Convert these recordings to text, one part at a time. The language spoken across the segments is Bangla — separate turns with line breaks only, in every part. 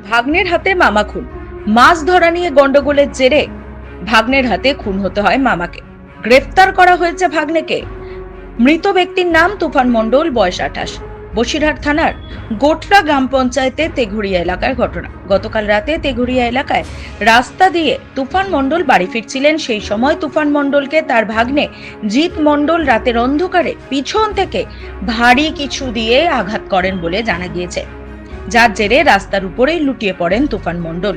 ভাগ্নের হাতে মামা খুন। মাছ ধরা নিয়ে গন্ডগোলের জেরে ভাগ্নের হাতে খুন হতে হয় মামাকে। গ্রেফতার করা হয়েছে ভাগ্নেকে। মৃত ব্যক্তির নাম তুফান মণ্ডল, বয়স 28। বসিরহাট থানার গোটরা গ্রাম পঞ্চায়েতে তেঘুরিয়া এলাকার ঘটনা। গতকাল রাতে তেঘুরিয়া এলাকায় রাস্তা দিয়ে তুফান মণ্ডল বাড়ি ফিরছিলেন। সেই সময় তুফান মণ্ডলকে তার ভাগ্নে জিৎ মণ্ডল রাতের অন্ধকারে পিছন থেকে ভারী কিছু দিয়ে আঘাত করেন বলে জানা গিয়েছে, যার জেরে রাস্তার উপরেই লুটিয়ে পড়েন তুফান মণ্ডল।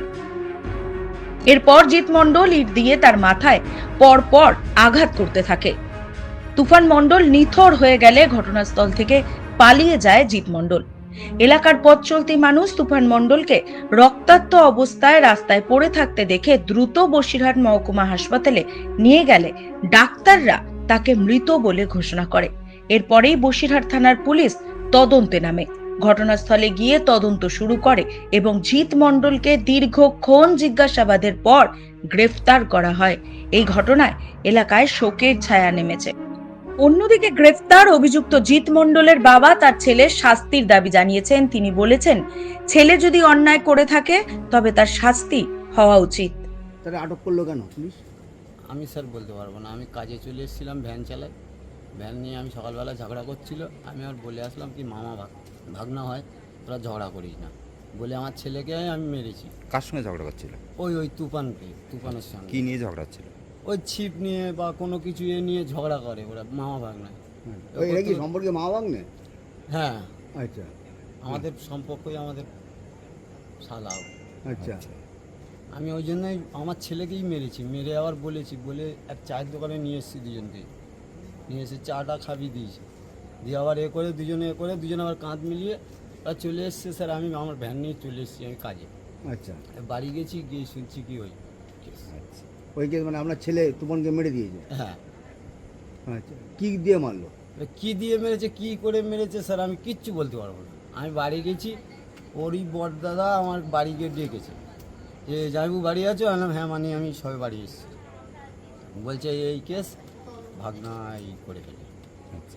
এরপর জিৎ মণ্ডল ইট দিয়ে তার মাথায় পরপর আঘাত করতে থাকে। তুফান মণ্ডল নিথর হয়ে গেলে ঘটনাস্থল থেকে পালিয়ে যায় জিৎ মণ্ডল। এলাকার পথ চলতি মানুষ তুফান মণ্ডলকে রক্তাক্ত অবস্থায় রাস্তায় পড়ে থাকতে দেখে দ্রুত বসিরহাট মহকুমা হাসপাতালে নিয়ে গেলে ডাক্তাররা তাকে মৃত বলে ঘোষণা করে। এরপরেই বসিরহাট থানার পুলিশ তদন্তে নামে। ঘটনাস্থলে গিয়ে তদন্ত শুরু করে এবং জিৎ মণ্ডলকে দীর্ঘক্ষণ জিজ্ঞাসাবাদের পর গ্রেফতার করা হয়। এই ঘটনায় এলাকায় শোকের ছায়া নেমেছে। অন্যদিকে গ্রেফতার অভিযুক্ত জিৎ মণ্ডলের বাবা তার ছেলের শাস্তির দাবি জানিয়েছেন। তিনি বলেছেন, ছেলে যদি অন্যায় করে থাকে তবে তার শাস্তি হওয়া উচিত।
তারা আটক করলো কেন পুলিশ?
আমি স্যার বলতে পারবো না। আমি কাজে চলে এসেছিলাম, ভ্যান চালাই। ভ্যান নিয়ে আমি সকালবেলা ঝগড়া করছিল। আমি আর বলে আসলাম কি মামা ভাগনা হয়, তোরা ঝগড়া করিস না বলে আমার ছেলেকে আমি মেরেছি।
কার সঙ্গে ঝগড়া করছিল?
ওই তুফানের সঙ্গে।
কি নিয়ে ঝগড়া হচ্ছিল?
ওই ছিপ নিয়ে বা কোনো কিছু নিয়ে ঝগড়া করে ওরা, মামা ভাগনা।
এরা কি সম্পর্কে মা ভাগ্নে?
হ্যাঁ,
আচ্ছা
আমাদের সম্পর্কই আমাদের শালা।
আচ্ছা
আমি ওই জন্যই আমার ছেলেকেই মেরেছি। মেরে আবার বলে এক চায়ের দোকানে নিয়ে এসেছি, দুজনকে নিয়ে এসে চাটা খাবি দিয়েছি, দিয়ে আবার দুজনে আবার কাঁধ মিলিয়ে ওরা চলে এসছে। স্যার আমি আমার ভ্যান নিয়ে চলে এসেছি আমি কাজে।
আচ্ছা
বাড়ি গেছি, গিয়ে শুনছি কি ওই
আচ্ছা ওই কেস মানে আপনার ছেলে তুমনকে মেরে দিয়েছে?
হ্যাঁ।
আচ্ছা কি দিয়ে মারলো?
কি দিয়ে মেরেছে, কি করে মেরেছে স্যার আমি কিচ্ছু বলতে পারবো না। আমি বাড়ি গেছি, ওরই বড়দাদা আমার বাড়ি গিয়ে ডেকেছে যে জামাইবু বাড়ি আছো? হ্যাঁ মানে আমি সবে বাড়ি এসেছি। বলছে এই কেস ভাগনা এই করে ফেলে।
আচ্ছা,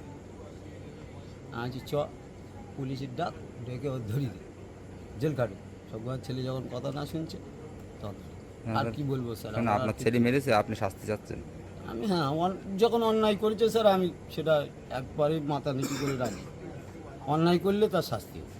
আমি চ পুলিশের ডাক, ডেকে ওর ধরি দে, জেল কাটে। সব ছেলে যখন কথা না শুনছে তখন আর কি বলবো স্যার।
কেন আপনার ছেলে মেরেছে, আপনি শাস্তি চাচ্ছেন?
আমি যখন অন্যায় করেছে স্যার আমি সেটা একবারে মাথা নিচু করে রাখি। অন্যায় করলে তার শাস্তি।